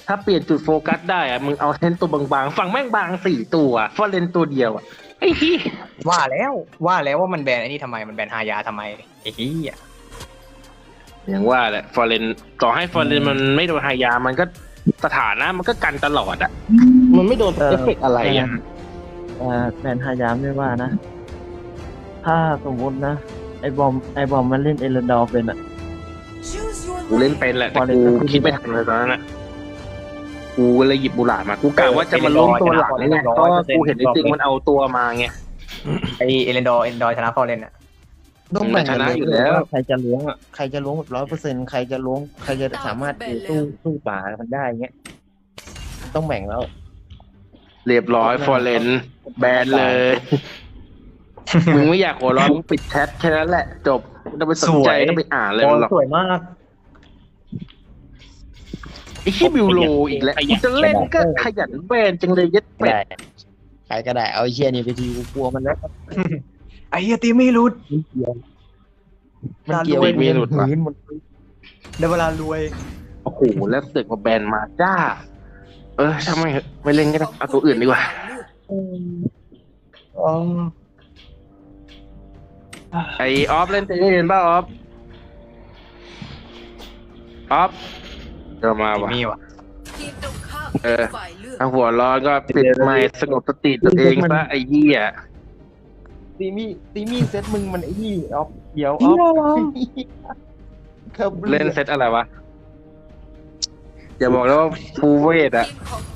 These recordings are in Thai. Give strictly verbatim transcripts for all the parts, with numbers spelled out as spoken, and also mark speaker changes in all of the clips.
Speaker 1: ถ้าเปลี่ยนจุดโฟกัสได้อะมึงเอาเล่นตัวบางๆฝั่งแม่งบางสี่ตัวฟอร์เรนตัวเดียวอะไอ้ที่
Speaker 2: ว่าแล้วว่าแล้วว่ามันแบนไอ้นี่ทำไมมันแบนฮายาทำไมไอ้เหี้ย
Speaker 1: อย่างว่าแหละฟอร์เรนต่อให้ฟอร์เรนมันไม่โดนหายามันก็สถานะมันก็กันตลอดอะมันไม่โดนเอฟเฟกต์อะไรอะ
Speaker 3: เอ่อแบนฮายามไม่ว่านะ ถ้าสมมตินะ ไอบอมไอบอมมันเล่นเอเลนดอร์เป็นอ่ะ
Speaker 1: กูเล่นเป็นแหละแต่กูคิดไม่ทันเลยตอนนั้นอะกูก็เลยหยิบบูหลามากูกะว่าจะมาล้มตัวหลังไงก็กูเห็นไอ้จริงมันเอาตัวมาไง
Speaker 2: ไอเอเลนดอร์เอเลนดอร์ชนะฟอร์เรนอ่ะ
Speaker 3: ต้องแบ่ง
Speaker 1: ชนะอยู่แล้ว
Speaker 3: ใครจะล้วงอ่ะใครจะล้วงแบบร้อยเปอร์เซ็นต์ใครจะล้วงใครจะสามารถสู้สู้ป่ามันได้เงี้ยต้องแบ่งแล้ว
Speaker 1: เรียบร้อยฟอร์เรนแบนเลย มึงไม่อยากหัวเร้อนมึงปิดแชทแค่นั้นแหละ จบไม่ต้องไปสนใจต้องไปอ่านเลย
Speaker 2: โอ้
Speaker 1: หรอก
Speaker 2: สวยมาก
Speaker 1: ไอ้ขี้บิวโลอีกแล้วกูจะเล่นก็ขยันแบนจังเลยยัดเป็ด
Speaker 3: ได้ใครก็ได้เอาไอ้เชี่ยนี่ไปทีกูกลัวมันแล้ว
Speaker 2: ไอ้เหี้ยตีไม่รุด
Speaker 3: มันเกี่ยว
Speaker 1: มันมีหลุดวะ
Speaker 3: พื้นมัน
Speaker 2: ได้เวลารวย
Speaker 1: โอ้โหแล้วเสือกมาแบนมาจ้า เออทำไมเหอะไม่เล่นก็ได้เอาตัวอื่นดีกว่า
Speaker 3: อ๋อ
Speaker 1: ไอออฟเล่นเตะเล่นป่ะออฟออฟเดี๋ยวมาว่ะ
Speaker 2: มีว่ะ
Speaker 1: เออถ้าหัวร้อนก็ปิดไมค์สงบสติตัวเองซะไอ้เหี้ย
Speaker 3: ตีมี่ตีมี่เซตมึงมันไอ้นี่ออฟเดี๋ยวออฟครับ
Speaker 1: เล่นเซตอะไรวะอย่าบอกแล้วว่าฟูเวทอะ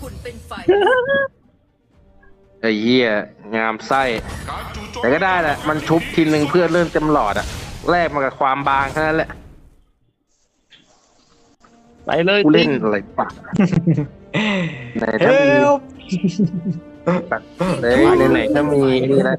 Speaker 1: ไอ้เหี้ยงามไส้แต่ก็ได้แหละมันชุบทีนึงเพื่อเริ่มเต็มหลอดอะแลกมากับความบางแค่นั้นแหละ
Speaker 3: ไปเลย
Speaker 1: กูเล่นอะไรปะไหนถ้ามีตัดเลยในไหนถ้ามีนี่นะ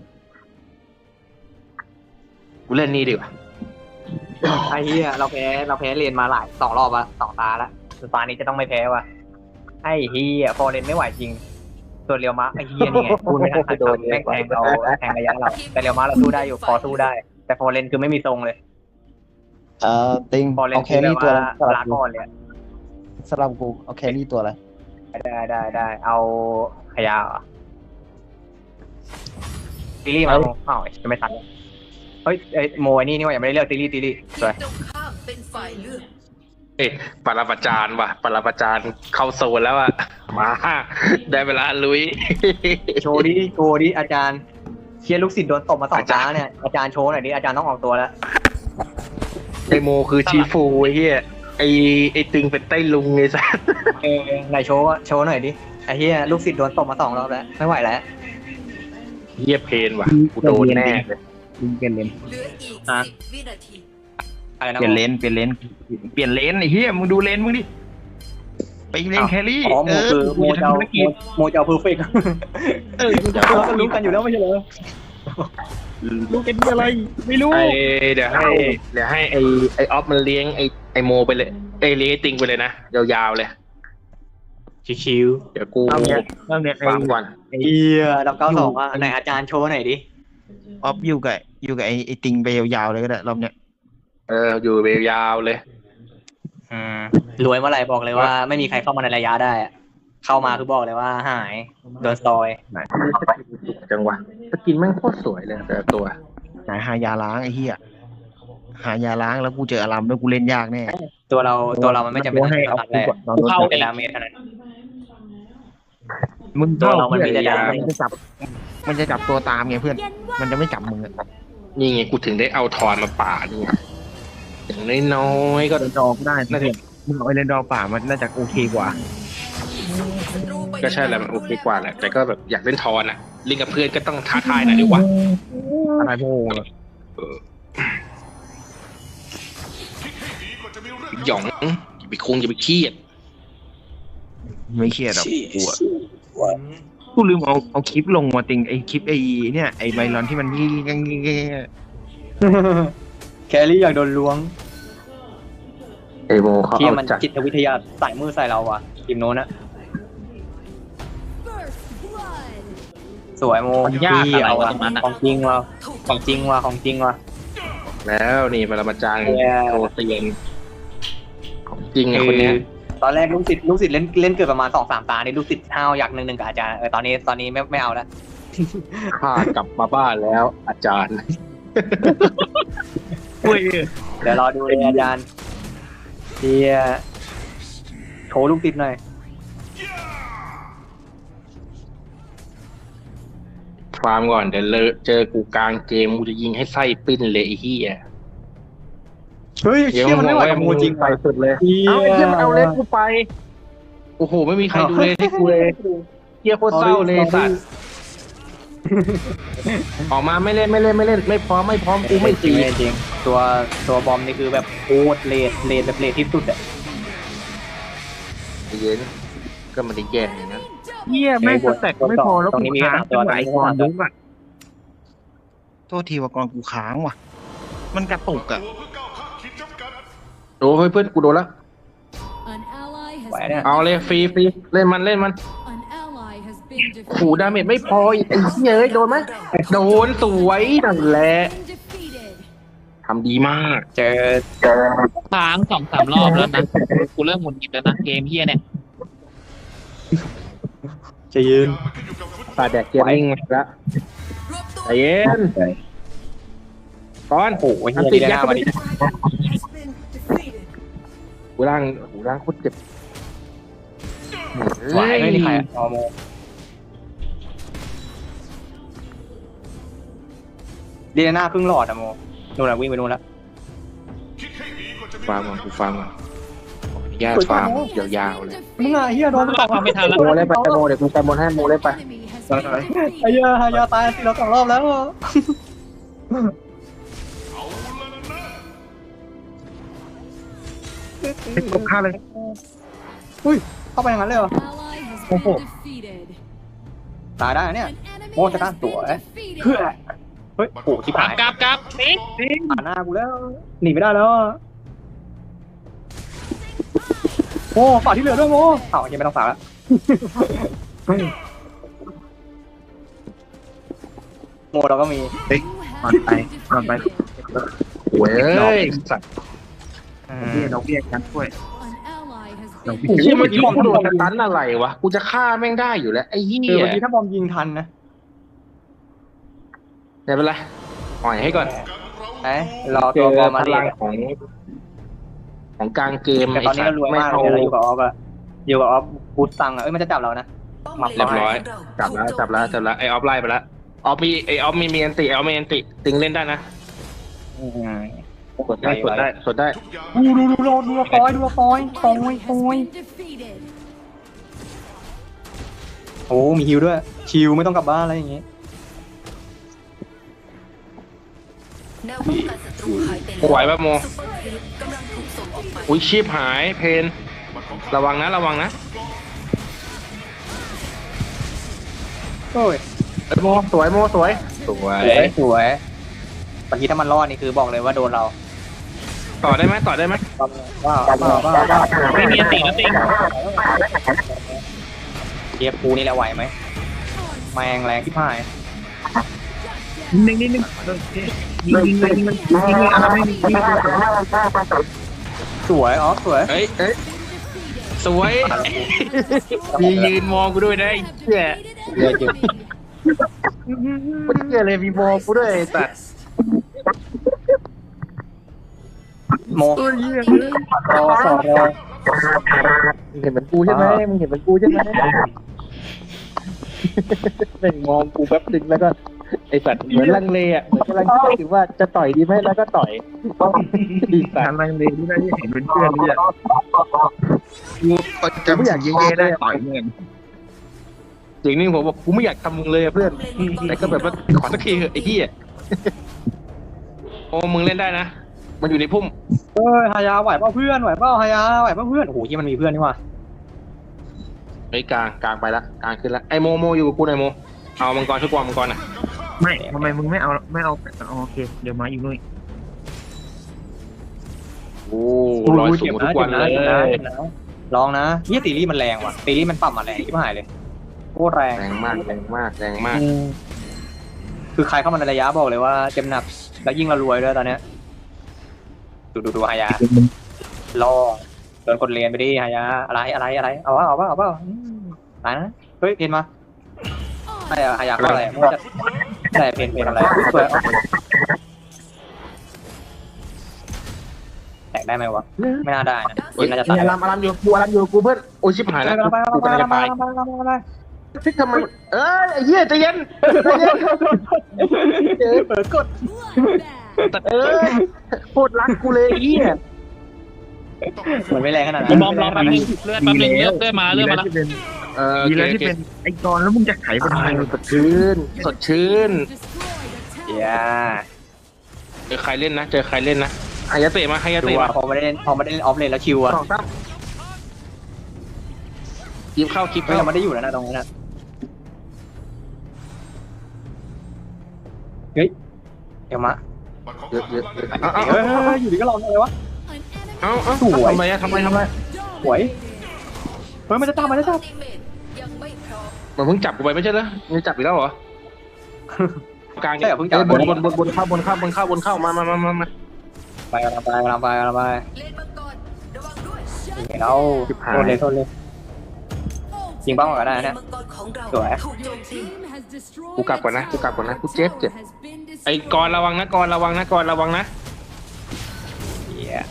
Speaker 1: กูเล่นนี่ดีกว่า
Speaker 2: ไอ้เหี้ยเราแพ้เราแพ้เรียนมาหลายสองรอบอะสองตาแล้วตานี้จะต้องไม่แพ้ว่ะไอ้เหี้ยฟอร์เรนไม่ไหวจริงตัวเรียวมะไอ้เหี้ยนี่ไงพูดไม่ทันขาดคำแม่งแทงเราแทงระยะเราแต่เรียวมะเราสู้ได้อยู่พอสู้ได้ แต่ฟอร์เรนคือไม่มีทรงเลย
Speaker 3: เอ่อติง
Speaker 2: ฟอร์เรน
Speaker 3: เอาแค
Speaker 2: คือแบ
Speaker 3: รี่
Speaker 2: บ
Speaker 3: ตัว
Speaker 2: ว่า
Speaker 3: อะไร
Speaker 2: ลาก่อนเลยอะ
Speaker 3: สลับกูเอาแครี่ตัวอะไร
Speaker 2: ได้ได้ได้เอาขยาเหรอซีรีส์มาอ้าวจะไม่ทันแล้วเฮ้ยไอ้โมไอ้นี่นี่ว่ายังไม่ได้เลือกซีรีส์ซีรีส์สวย
Speaker 1: เอ๊ะปราประจานว่ะปราประจานเข้าโซนแล้วอะมาได้เวลาลุย
Speaker 2: โชว์ดิโชว์ดิอาจารย์เชียร์ลูกศิษย์โดนตบมาสองจ้าเนี่ยอาจารย์โชว์หน่อยดิอาจารย์ต้องออกตัวแล้ว
Speaker 1: ไอโมคือชีฟูไอ้เหี้ยไอไอตึงเป็นไต้ลุงไอ้สัส
Speaker 2: เออไหนโชว์อะโชว์หน่อยดิไอ้เหี้ยลูกศิษย์โดนตบมาสองรอบแล้วไม่ไหวแล้ว
Speaker 1: เหี้ยเพนว่ะกูโดนแน่เลย
Speaker 3: ติงเปลี่ยนเลน
Speaker 4: เหลืออีก
Speaker 2: อ่ะ
Speaker 4: สิบวินาที
Speaker 2: อะไรนะ
Speaker 3: เปลี่ยนเลนเปลี่ยนเลนเปลี่ยนเลนไอ้เหี้ยมึงดูเลนมึงดิไปเลนแครี่
Speaker 2: อ๋อโมคือโม
Speaker 3: กูจะ
Speaker 2: เจ้า
Speaker 3: ทำธุรกิจ
Speaker 2: โมเจ้าเพอร์เฟกต์
Speaker 3: เออกูจะ
Speaker 2: เรา
Speaker 3: ทำธุร
Speaker 2: รู้
Speaker 3: กิจ
Speaker 2: กันอยู่แล้วไม่ใช่เหรอ
Speaker 3: รู้กันที่อะไรไม่รู้
Speaker 1: ไอเดี๋ยวให้เดี๋ยวให้ไอไอออฟมันเลี้ยงไอไอโมไปเลยไอเลี้ยงไอติงไปเลยนะยาวๆเลย
Speaker 2: ชิว
Speaker 1: เดี๋ยวกู
Speaker 3: เอาเนี่ยเอาเนี่ยไอ้
Speaker 1: ฟังก่อน
Speaker 2: ๆเหี้ยดอกเก้าสองอ่ะไหนอาจารย์โชว์หน่อยดิ
Speaker 3: ออฟอยู่กับอยู่กับไอ้ไอ้ติงไปยาวๆเลยก็ได้รอบเนี้ย
Speaker 1: เอออยู่ไปยาวเลย
Speaker 2: อืมรวยเมื่อไหร่บอกเลยว่าไม่มีใครเข้ามาในระยะได้อะเข้ามาคือบอกเลยว่าหายโดนซอย
Speaker 1: จังหวะสกินแม่งโคตรสวยเลยแต่ละตัว
Speaker 3: ไหนหายาล้างไอ้เหี้ยหายาล้างแล้วกูเจออารามแล้วกูเล่นยากแน่
Speaker 2: ตัวเราตัวเรามันไม่จำเป็น
Speaker 3: ให้เอา
Speaker 2: ต้อง
Speaker 3: กู
Speaker 2: แรก
Speaker 3: กดนอน
Speaker 2: กู
Speaker 3: รถ
Speaker 2: เข้าแต่ดาเมจเท่านั้น
Speaker 3: มึง
Speaker 2: ตัวเรามันมีแต่
Speaker 3: ยา
Speaker 2: ดาเมจ
Speaker 3: มันจะจับมันจะจับตัวตามไงเพื่อน มันจะไม่จับมึงอะ
Speaker 1: นี่ไงกูถึงได้เอาทอนมาป่าดนี่ไงอย่างน้อยๆก็
Speaker 3: เล่นดอกได้น่าจะมึงเอาไอ้เล่นดอกป่ามันน่าจะโอเคกว่า
Speaker 1: ก็ใช่แหละมันโอเคกว่าแหละแต่ก็แบบอยากเล่นทอนอ่ะเล่นกับเพื่อนก็ต้องท้าทายหน่อยดีกว่า
Speaker 3: อะไรพวก
Speaker 1: หยองอย่าไปคงอย่าไปเครียด
Speaker 3: ไม่เครียดหรอกกูอะกูลืมเอาเอาคลิปลงมาติงไอ้คลิปไอ้เนี่ยไอ้ไบรอนที่มันงี้งี้งี้งี้
Speaker 2: แครี่อยากโดนล้วง
Speaker 1: เอโมเขา
Speaker 2: ที่
Speaker 1: เอา
Speaker 2: มัน
Speaker 1: จัด
Speaker 2: จิตวิทยาใส่มือใส่เราอ่ะทีมโน้นอะสวยโม
Speaker 5: มันยาก
Speaker 2: พี่
Speaker 5: อะไร
Speaker 2: เอา
Speaker 5: วะ
Speaker 2: อะ
Speaker 5: ตรงนั้นอะ
Speaker 2: ของจริงว่ะของจริงว่ะของจริงว่ะ
Speaker 1: แล้วนี่ปรมาจารย์
Speaker 2: เนี่ย
Speaker 1: โชว์เตียนของจริงไงคนเนี้ย
Speaker 2: ตอนแรกลูกศิษย์ลูกศิษย์เล่นเล่นเกิดประมาณสองสามตานี่ลูกศิษย์ห้าวอยากหนึ่งหนึ่งกับอาจารย์เออตอนนี้ตอนนี้ไม่ไม่เอาแล้ว
Speaker 1: ข้ากลับมาบ้านแล้ว อาจารย์
Speaker 3: เว้ย
Speaker 2: เดี๋ยวรอดูเลยอาจารย์เดียโชว์ลูกศิษย์หน่อย
Speaker 1: ฟาร์มก่อนเดี๋ยวเลอะเจอกูกลางเกมกูจะยิงให้ไส้ปิ้นเลยไอ้เหี้ย
Speaker 2: เฮ้ยเชี่ยมันไม่ไหวกับมูจริง
Speaker 1: ไปสุดเลย
Speaker 2: เหี้ย
Speaker 1: เอาไอ้เหี้ยมันเอาเล็กกูไป โอ้โห ไม่มีใครดูเลยให้กูเลยเหี้ยโคตรเศร้าเลยสัตว์ออกมาไม่เล่นไม่เล่นไม่เล่น ไม่พร้อมไม่พร้อมกูไม่
Speaker 2: จริ
Speaker 1: ตี
Speaker 2: งจริงตัวตัวบอมนี่คือแบบโคตรเลดเลดแบบเลดที่สุดอะ
Speaker 1: เย็นก็ไมันได้แย่อย่างนั้น
Speaker 3: เหี้ยแม่งสแต็กไม่พอแล้วกูค้างจังหวะไอ้กรยุบอ่ะโทษทีว่ากรกูค้างว่ะ มันกระตุกอ่ะ
Speaker 1: โอ้ยเพื่อนกูโดนแล้ว
Speaker 4: An ally has
Speaker 2: ไหวเนี่ย
Speaker 1: เอาเลยฟรีฟรีเล่นมันเล่นมัน
Speaker 4: An ally has been
Speaker 1: ขู่ดาเมจไม่พออีกไอ้เหี้ยเอ้ยโดนไหมโดนสวยนั่นแหละ
Speaker 4: defeated.
Speaker 1: ทำดีมาก
Speaker 2: เจอ
Speaker 5: ค้างสองสามรอบแล้วนะ กูเริ่มหงุดหงิดแล้วนะเกมเฮียเนี่ย
Speaker 2: จะยืน
Speaker 1: ปาแดกเกมนิ่งแล้วใจเย็นก่อน
Speaker 2: โอ้โห
Speaker 1: อัน
Speaker 2: เฮี
Speaker 1: ติ
Speaker 2: ย
Speaker 1: ด
Speaker 2: ดี
Speaker 1: ยั
Speaker 2: นะ
Speaker 1: ด
Speaker 2: มาดิ
Speaker 1: หูร่างหูร่างโคตรเจ็บ
Speaker 2: ไหวไม่มีใครอะออโมดีนะหน้าครึ่งหลอดอะโมนู่นอะวิ่งไปนู่นแล้ว
Speaker 1: ฟาร์มก่อนกูฟาร์มก่อนขออนุญาตฟาร์มยาวๆเลย
Speaker 2: มึงอะเฮียโดน
Speaker 5: ตามไม่ทันแล้ว
Speaker 1: โมเล่นไปโมเดี๋ยวกูไปโมให้โมเล่นไป
Speaker 4: Enemy has been
Speaker 2: ไอ้เหี้ยฮายาตายสิเราสองรอบแล้ว
Speaker 3: ให้กบฆ่าเลย
Speaker 2: เข้าไปอย่างนั้นเลยเหรอ
Speaker 4: ally has been defeated.
Speaker 2: ตายได้นะเนี่ย
Speaker 4: An enemy
Speaker 2: โอ้จะ
Speaker 4: has
Speaker 2: ด้านตัว
Speaker 4: been
Speaker 2: เอ๊ะ
Speaker 4: defeated.
Speaker 2: เพื่อเฮ้ยโอ้ที่
Speaker 5: กลั
Speaker 2: ผ่า
Speaker 5: บ
Speaker 2: น
Speaker 5: กลับกลับนี่
Speaker 2: ผ่านหน้ากูแล้วหนีไม่ได้แล้วอะโอ้ฝากที่เหลือด้วยโมเอ้ายังไม่ต้องฝากละโมเราก็มี
Speaker 3: ก่อนไปก่อนไป
Speaker 1: โว้ยสัตว์
Speaker 3: เบี้ยดอกเบี้ยกันด้วย
Speaker 4: An ally has
Speaker 3: เรา
Speaker 4: been
Speaker 3: พี่
Speaker 1: ไอ้เหี้ยเมื่อกี้กูโดนตันอะไรวะกูจะฆ่าแม่งได้อยู่แล้วไอ้เหี้
Speaker 2: เออย เมื่อกี้ถ้าบอมยิงทันนะ
Speaker 1: ไม่เป็นไรปล่อยให้ก่อน
Speaker 2: ไอ้รอ
Speaker 1: เจ
Speaker 2: ตัว
Speaker 1: อบ
Speaker 2: อมมา
Speaker 1: พ
Speaker 2: ดิ
Speaker 1: ลังของ ของกลางเกม
Speaker 2: แต่ตอนนี้เรารวยมากเลยเราอยู่กับออฟอะอยู่กับออฟบูสตังอะเอ้ยมันจะจับเรานะหมับ
Speaker 1: เรียบร้อยจับแล้วจับแล้วจับแล้วไอออฟไล่ไปแล้วออฟมีไอออฟมีมีอันติออฟมีอันติติงเล่นได้นะ
Speaker 2: อืม
Speaker 1: สดได้สดได้สดได้
Speaker 2: ดูดูดูดูดูฟอยดูฟอยฟอย
Speaker 4: has
Speaker 2: ฟอย
Speaker 4: been defeated.
Speaker 2: โอ้มีฮิวด้วยชิวไม่ต้องกลับบ้านอะไรอย่างงี้
Speaker 6: แนวป้องกันศัตรูหายไปแล้ว
Speaker 1: ไหวปะโม
Speaker 6: ซุปเปอร์คลิปกำลังถูกส่งออกไป
Speaker 1: อุ้ยชีพหายเพนระวังนะระวังนะ
Speaker 2: โอ้ย
Speaker 1: เอ้ยโมสวยโมสวยสวย
Speaker 2: สวยสวยเมื่อกี้ถ้ามันรอดนี่คือบอกเลยว่าโดนเรา
Speaker 1: ต่อได้ไหมต่อได้ไหม
Speaker 2: ว้าวว้าวว้าวว้าว
Speaker 5: ไม่มีอันติแล้วติง
Speaker 2: เทียบกูนี่แหละไหวไหมแมงแรงที่พาย
Speaker 3: นิ่งนิ่งนิ่งยิงยิงยิงยิงยิงอะไรไม่มียิง
Speaker 2: สวยอ๋อสวย
Speaker 1: เอ้ยเอ้ยสวยมียืนมองกูด้วยนะไอ้เหี้ย
Speaker 2: เลือดอยู่
Speaker 1: กูเหี้ยเลยมีมองกูด้วยไอ้สัตว์
Speaker 2: โมรอสองรอ
Speaker 1: มึงเห็นเหมือนกูใช่ไหมมึงเห็นเหมือนกูใช่ไหมแม่งมองกูแป๊บนึงแล้วก็ไอ้สัตว์เหมือนลังเลอ่ะเหมือนกำลังคิดถึงว่าจะต่อยดีไหมแล้วก็ต่อยดีสัต
Speaker 3: การ
Speaker 1: ว์
Speaker 3: ลังเลที่ได้เห็นเป็นเพื่อนเนี่ยกูจำอยากยิงได้ต่อยเงิน
Speaker 1: จริงนี่ผมบอกกูไม่อยากทำมึงเลยอะเพื่อนแต่ก็แบบว่าขอสักทีเถอะไอ้เหี้ยโอ้มึงเล่นได้นะมันอยู่ในพุ่ม
Speaker 2: เฮ้ยฮายาไหวเปล่าเพื่อนไหวเปล่าฮายาไหวเปล่าเพื่อนโอ้โหที่มันมีเพื่อนนี่ว่ะ
Speaker 1: ไอ้ยกลางกลางไปละกลางขึ้นละไอ้โมโมอยู่กับกูไอ้โมเอามังกรช่วยกวางมังกรอ่ะ
Speaker 3: ไม่ทำไมมึงไม่เอาไม่เอาโอเคเดี๋ยวมาอยู่นู่น
Speaker 1: โอ้ร้อยสูงทุกวันเลย
Speaker 2: ลองนะเฮียตีรี่มันแรงว่ะตีรี่มันปรับมาแรงที่หายเลยโคตรแรง
Speaker 1: แรงมากแรงมากแรงมาก
Speaker 2: คือใครเข้ามาในระยะบอกเลยว่าเจ็บหนักแล้วยิ่งเรารวยด้วยตอนเนี้ยดูดูดูฮายาล่อโดนกดเลนไปดิฮายาอะไรอะไรอะไรเอาวะเอาวะเอาวะตายนะเฮ้ยเพนมาไอ้ฮายาก็อะไรไม่จะได้เพนเพนอะไรสวยแตกได้ไหมวะไม่น่าได้นะเพนน่าจะตาย
Speaker 1: อารามอารามอยู่กูอารามอยู่กูเพื่อนโอ้ชิบหายแล้วกูกำลังจะตายที่ทำไมเอ้ยไอ้เหี้ยใจเย็นใจเย็นเปิดกด
Speaker 4: Bloodbath.
Speaker 1: เออโคตรรักกูเลยไอ้เหี้ย
Speaker 2: มันไม่แรงขนาด
Speaker 5: กู
Speaker 2: นั้น
Speaker 5: บอมรอแป๊บนึงเลือดแป๊บนึงเลือดเลือดมาเลือดมาแล้ว
Speaker 3: ที่เป็น
Speaker 1: เออ
Speaker 3: ดีแล้วที่เป็นไอ้กรแล้วมึงจะไขไปทำไม
Speaker 1: สดชื่นสดชื่น
Speaker 4: Destroyed a
Speaker 2: เฮีย
Speaker 4: tower.
Speaker 1: เจอใครเล่นนะเจอใครเล่นนะใครจะเตะมาใครจะ
Speaker 2: ดู
Speaker 1: เตะ
Speaker 2: ว่า
Speaker 1: มา
Speaker 2: พอไม่ได้เล่นพอไม่ได้เล่นออฟเลนแล้วชิวอะ
Speaker 1: สองตั้มคลิปเข้าคลิป
Speaker 2: ก็
Speaker 1: เข้า
Speaker 2: ยังไม่ได้อยู่แล้วนะตรงนั้นนะเฮ้ยเดี๋ยวมา
Speaker 1: เยอะเยอะเยอะ
Speaker 2: เฮ้
Speaker 1: เอา
Speaker 2: ย
Speaker 1: เอา
Speaker 2: เฮ้ยอยู่ดีก็ลองเลยวะ
Speaker 4: An enemy
Speaker 1: เอาเอา
Speaker 2: สวย
Speaker 1: ทำไมอะทำไมทำไม
Speaker 2: สวย เฮ้ยมันจะตามมันจะตาม
Speaker 6: ทีมเมทยังไม่พร้อม
Speaker 1: มันเพิ่งจับกูไปไม่ใช่เหรอมันจับอีกแล้วเหรอ กลาง
Speaker 2: ใช่เหรอเพิ่งจับ
Speaker 1: บนบนบนบนเข้าบนเข้าบนเข้าบนเข้ามามามามามา
Speaker 2: ไปกำลังไปกำลังไปกำลังไป
Speaker 6: เลนมังกรระวังด้วย
Speaker 2: เห็นแล้วโทษเลยโทษเลย ยิงเป้าก็ได้นะ
Speaker 6: เลนมังกรของเรา
Speaker 2: สวย
Speaker 6: ถูกโจมตี
Speaker 4: team has destroyed
Speaker 1: กูกลับก่อนนะกูกลับก่อนนะกูเจ็บเจ็บ
Speaker 4: has been
Speaker 1: ไอ้กรระวังนะกรระวังนะกรระวังนะ
Speaker 2: เฮีย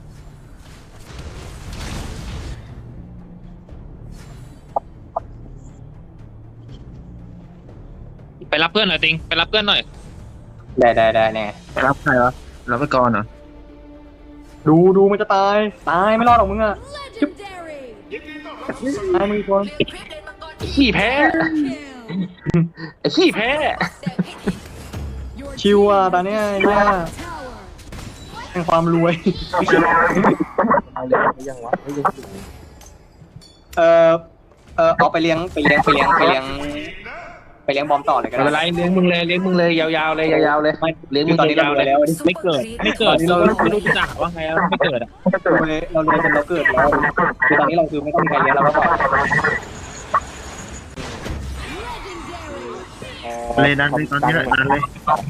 Speaker 5: ไปรับเพื่อนหน่อยติงไปรับเพื่อนหน่อย
Speaker 2: ได้ได้ได้แน่
Speaker 3: รับใครวะรับไปกรเหรอ
Speaker 2: ดูดูมันจะตาย ตายไม่รอดหรอกมึงอะ
Speaker 4: legendary.
Speaker 2: ตายมึงอีกคน
Speaker 6: เลี้ยงคลิปเลนมังกร
Speaker 1: ขี้แพ้
Speaker 4: Kill.
Speaker 1: ไอ้ขี้แพ้
Speaker 6: แดงให้ทีม
Speaker 4: Your
Speaker 2: ชิว
Speaker 4: team
Speaker 2: อ่ะตอนเนี้ยเนี่ย
Speaker 4: tower.
Speaker 2: แห่งความรวย
Speaker 1: เอาเลยไม่ยังวะไม่ยังถึง
Speaker 2: เออเออเอาไปเลี้ยงไปเลี้ยงไปเลี้ยงไปเลี้ยงไปเลี้ยงบอมต่อเลยก็
Speaker 1: ไม่เป็นไร
Speaker 2: ได้
Speaker 1: เลี้ยงมึงเลยเลี้ยงมึงเลยยาวๆเลยยาวๆเลย
Speaker 2: ไม่
Speaker 1: เลี้ยง
Speaker 2: คื
Speaker 1: มึ
Speaker 2: อง ตอนนี้เรา
Speaker 1: ยาว
Speaker 2: ร
Speaker 1: ๆ
Speaker 2: วย
Speaker 1: เลย
Speaker 2: แล้ว
Speaker 5: ไม่เกิดไม่เกิดเราไม่รู้จะด่าว่าไงแล้วไม่เกิดอ่ะ
Speaker 2: รวยเรารวยจนเราเกิดแล้วคือตอนนี้เราคือไม่ต้องมีใครเลี้ยงเราก็ปล่อย
Speaker 4: Legendary.
Speaker 3: เลยดันเลยตอนนี้แหละดันเลย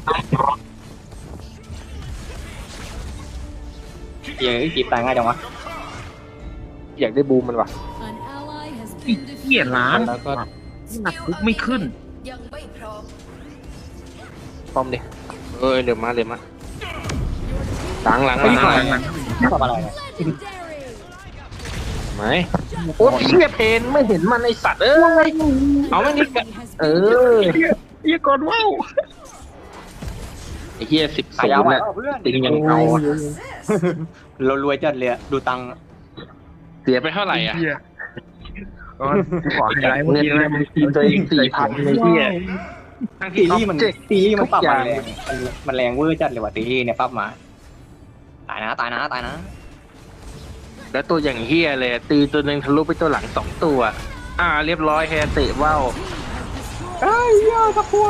Speaker 2: เฮียจีบตายง่ายจังวะ
Speaker 1: อยากได้บูมมันว่ะ
Speaker 4: An ally has
Speaker 3: ไอ้
Speaker 4: been
Speaker 3: เหี้ย
Speaker 4: defeated.
Speaker 3: ล้าง
Speaker 1: แล้วก็
Speaker 3: หนักคุกไม่ขึ้น
Speaker 6: ยังไม่พร้อม
Speaker 1: ป้อมดิเอ้ยเดี๋ยวมาเดี๋ยวมาหลังหลังห
Speaker 2: เฮ้ย
Speaker 1: ลังหลัง
Speaker 2: หลังทำอะไรเนี่ย
Speaker 4: Legendary.
Speaker 1: ไหมโอ้ยเชี่ยเพนไม่เห็นมันไอสัตว์เอ้ยเอาไม่นี่
Speaker 4: Enemy has
Speaker 1: เอ
Speaker 4: been
Speaker 1: อ
Speaker 3: เหี้ยก่อนว้าว
Speaker 1: ไอ้เหี้ยสิบ
Speaker 2: ขา
Speaker 1: ศูน
Speaker 2: ยาว
Speaker 1: ย์
Speaker 2: ไหว
Speaker 1: เนี่ย
Speaker 2: เปล่าเพื่อน
Speaker 1: ติงยังเอาอะ
Speaker 2: เรารวยจัดเลยอะดูตังค์
Speaker 1: เสียไปเท่าไหร่อ่ะ
Speaker 3: เหี้ยก่อนขอไฮไลท์เมื่อ
Speaker 1: เงิน
Speaker 3: กี้
Speaker 1: ใน
Speaker 3: นะ
Speaker 1: บัญชีตัวเองสี่พันในที่ทั้ง
Speaker 2: ตี
Speaker 1: ที่
Speaker 2: รี่มัน
Speaker 1: เจ็ก
Speaker 2: ตีรี่มันปรับ
Speaker 1: ทุกอ
Speaker 2: มา
Speaker 1: ย่าง
Speaker 2: แรงมันมันแรงเวอร์จัดเลยว่ะตีรี่เนี่ยปรับมา ตายนะตายนะตายนะ
Speaker 1: แล้วตัวอย่างเฮียเลยตีตัวหนึ่งทะลุไปตัวหลังสองตัว อ่า เรียบร้อยแฮเตะว่าว
Speaker 2: เฮ้ยยอดสักพัว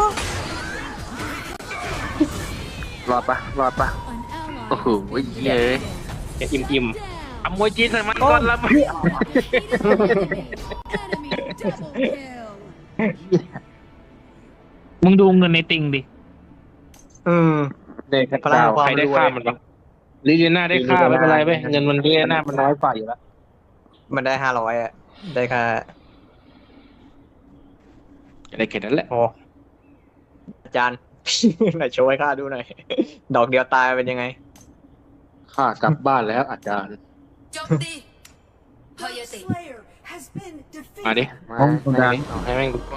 Speaker 1: รอดปะรอดปะ
Speaker 4: an ally.
Speaker 1: โอ้โหเย้ย
Speaker 2: จะอิ่มอิ่ม
Speaker 4: Down.
Speaker 1: อมวยจีนใส่มันก่อนละ
Speaker 4: Enemy double kill.
Speaker 5: มึงดูเงินในติงดิ
Speaker 2: เออ
Speaker 1: เด็ก
Speaker 2: พลังความ
Speaker 1: ใครได้
Speaker 2: รวย
Speaker 1: ค่ามันปะลิเลียน่าได้ค่าไม่เป็นไรเว้ยเงินมันลิเลียน่ามันน้อยกว่าอยู่แล้ว
Speaker 2: มันได้ห้าร้อยอะได้ค่า
Speaker 1: ได้แค่นั้นแหละ
Speaker 2: โอ้อาจารย์ ไหนโชว์ให้ข้าดูหน่อย ดอกเดียวตายเป็นยังไง
Speaker 1: ค่ากลับบ้านแล้วอาจารย์
Speaker 6: โจมตีพยาติ
Speaker 1: มาดิมาให้เอาให้แม่งดู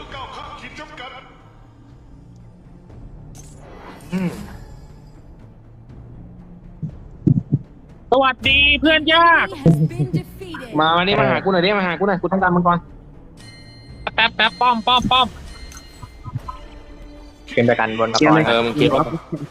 Speaker 1: อืม
Speaker 5: สวัสดีเพื่อนยาก
Speaker 4: Enemy has been defeated.
Speaker 1: มามาดิมาหากูหน่อยดิมาหากูหน่อยกูต้องการมันก่อน
Speaker 5: แป๊บแป๊บป้อมป้อมป้อม
Speaker 2: เป็นประกันบนกระป๋อง
Speaker 1: เออมึงคิดว่า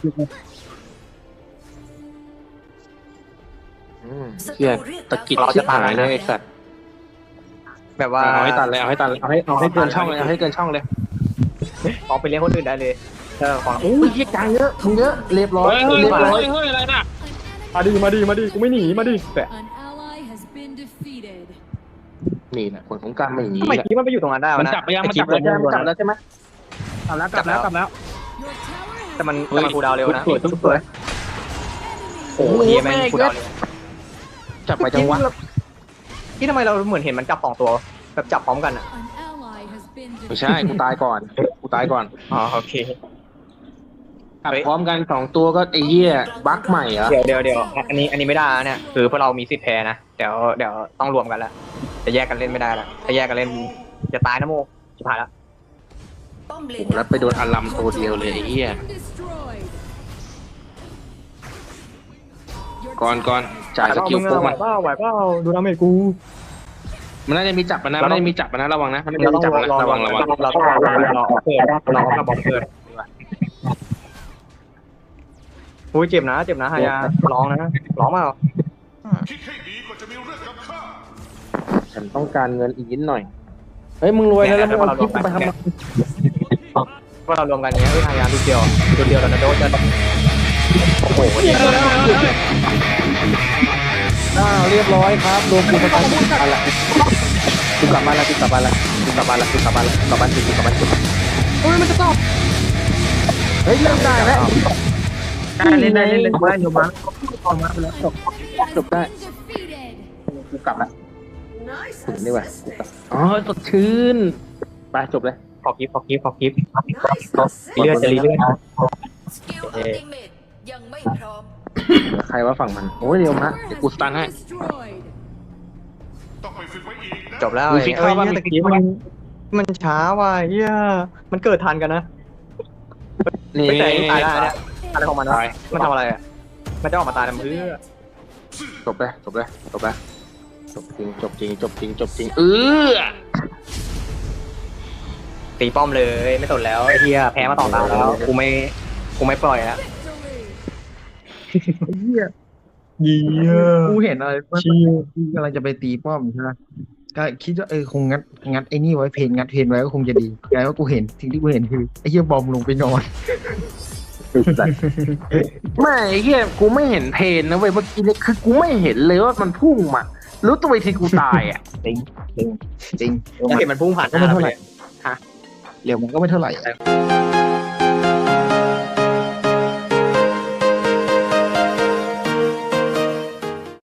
Speaker 1: อืมเชี่ยตะกิดชิบหายเลยไอ้สัตว์
Speaker 2: แบบว่า
Speaker 1: เอาให้ตัดเลยเอาให้ตัดเลยเอาให้เอาให้เกินช่องเลยเอาให้เกินช่องเลย
Speaker 2: เอาไปเลี้ยงคนอื่นได้เลยเออของ
Speaker 1: โอ้ยเหี้ยกลางเยอะมึงเยอะเรียบร้อย
Speaker 5: เฮ้ยเฮ้ย
Speaker 1: เรียบร้อย
Speaker 5: เฮ้ยเฮ้ยอะไรน่ะ
Speaker 2: มาดีมาดีมาดีกูไม่หนีมาดีแต่
Speaker 4: An ally has been defeated.
Speaker 1: นี่แหละผลของการไม่หนี
Speaker 2: ทำไม
Speaker 1: แหละ
Speaker 2: กี้มันไปอยู่ตรงนั้นได้วะ
Speaker 1: มัน
Speaker 2: นะ
Speaker 1: จับไปยังมันจับแล้วใช่ไหมมันจับแล้วใช่ไหมจับแล้วจับแล้วจับแล้ว
Speaker 4: Your tower has
Speaker 2: แต่มัน
Speaker 4: been
Speaker 2: แต่มันคูลดาวน์เร็วนะ
Speaker 1: สวยทุกสวย
Speaker 2: โอ้โหเฮียแม่งคูลดาวน์เร็ว
Speaker 1: จับไปจังวะ
Speaker 2: ที่ทำไมเราเหมือนเห็นมันจับสองตัวแบบจับพร้อมกันอ่ะ
Speaker 4: An ally has been
Speaker 1: ไม่ใช่กูตายก่อนกูตายก่อน
Speaker 2: อ๋อโอเค
Speaker 1: จับพร้อมกันสองตัวก็ไอ้เหี้ยบั๊กใหม่เหรอ
Speaker 2: เดี๋ยวเดี๋ยวเดี๋ยวอันนี้อันนี้ไม่ได้นะเนี่ยคือพวกเรามีสิทธิ์แพ้นะเดี๋ยวเดี๋ยวต้องรวมกันแล้วจะแยกกันเล่นไม่ได้ละจะแยกกันเล่นจะตายนะโมชิบหายแล้ว
Speaker 6: ป้อมเล
Speaker 1: โอ้
Speaker 6: น
Speaker 1: โหแล้วไปโดนอารัมตัวเดียวเลยไอ้เหี้ย
Speaker 4: destroyed. Your
Speaker 1: ก่อนก่อนจ่ายสกิลโป๊ก
Speaker 2: ไหว
Speaker 1: มัน
Speaker 2: เปล่าไหวเปล่าดูน้ำเมกู
Speaker 1: มันน่าจะมีจับมันนะมันน่าจะมีจับมันนะระวังนะมันน่าจะ
Speaker 2: เรา
Speaker 1: มี
Speaker 2: ต้อง
Speaker 1: จับมัน
Speaker 2: รอ
Speaker 1: นะระวังระวัง
Speaker 2: เราต้องรอรอเกิดเราต้องบอมเกิดอุ้ยเจ็บนะเจ็บนะฮายาร้องนะร้องเปล่า
Speaker 1: ฉันต้องการเงินอีกนิดหน่อยเฮ้ยมึงรวยแล้วแล้วมึงเอาคลิปไปทำไม
Speaker 2: ว่าเรารวมกันเนี้ยเฮ้ยฮายาดูเดียวดูเดียวแล้วนะโดนจะโอ้โหเนี่ย
Speaker 1: อ้าวเรียบร้อยครับรวมกูประกันอะไรกูกลับบ้านละกูกลับบ้านละกูกลับบ้านละกูกลับบ้านละกลับบ้านกูกลับบ้านกูเฮ้ยมันจะตอบเฮ้ยเริ่มได้แล้ว
Speaker 3: ได้เล่นได้เล่นเล่นได้อยู่มั้งออกมาไปแล้วจบ
Speaker 1: จบได้
Speaker 4: defeated.
Speaker 1: กูกลับละถึงนี่ว่ะกูกลับอ๋อสดชื่นไปจบเลย
Speaker 2: ขอคลิปขอคลิปขอคลิปเลือดจะรีเลือด
Speaker 6: สกิลอัลติเมทยังไม่พร้อม
Speaker 1: ใครว่าฝั่งมันโอ้ยเดี๋ยวมา
Speaker 4: Tower
Speaker 1: เดี๋ยว
Speaker 4: has
Speaker 1: กูสตัน
Speaker 4: been
Speaker 1: ให้
Speaker 4: destroyed.
Speaker 2: จบแล้ว
Speaker 1: มี
Speaker 2: ไอ้
Speaker 1: ฟิก
Speaker 2: เอ้
Speaker 1: เข้าย บ้าง
Speaker 2: เนี่ยตะกี้มันมันช้าว่ะเฮียมันเกิดทันกันนะ
Speaker 1: นี่
Speaker 2: ไม่แต่ตายได้เนี่ยอะไรของมันวะ
Speaker 1: ตาย
Speaker 2: มันทำอะไรอ่ะมันจะออกมาตายทำเพื่อ
Speaker 1: จบเลยจบเลยจบเลยจบจริงจบจริงจบจริงจบจริงเออ
Speaker 2: ตีป้อมเลยไม่สนแล้วไอ้เฮียแพ้มาต่อตาแล้วกูไม่กูไม่ปล่อยแล้ว
Speaker 4: Victory.
Speaker 3: เหี้ย
Speaker 2: เฮีย
Speaker 3: กูเห็นอะไรว่ากูกำลังจะไปตีป้อมใช่ไหมก็คิดว่าเออคงงัดงัดไอ้นี่ไว้เพนงัดเพนไว้ก็คงจะดีกลายว่ากูเห็นสิ่งที่กูเห็นคือไอ้เหี้ยบอมลงไปนอน
Speaker 1: ไม่ไอ้เหี้ยกูไม่เห็นเพนนะเว้ยเมื่อกี้เนี่ยคือกูไม่เห็นเลยว่ามันพุ่งมารู้ตัวอีกทีกูตายอ่ะ
Speaker 3: จริงจริงจริง
Speaker 2: แล้วเห็นมันพุ่งผ่านหน้าเราไปเลย
Speaker 3: เร็วมันก็ไม่เท่าไหร่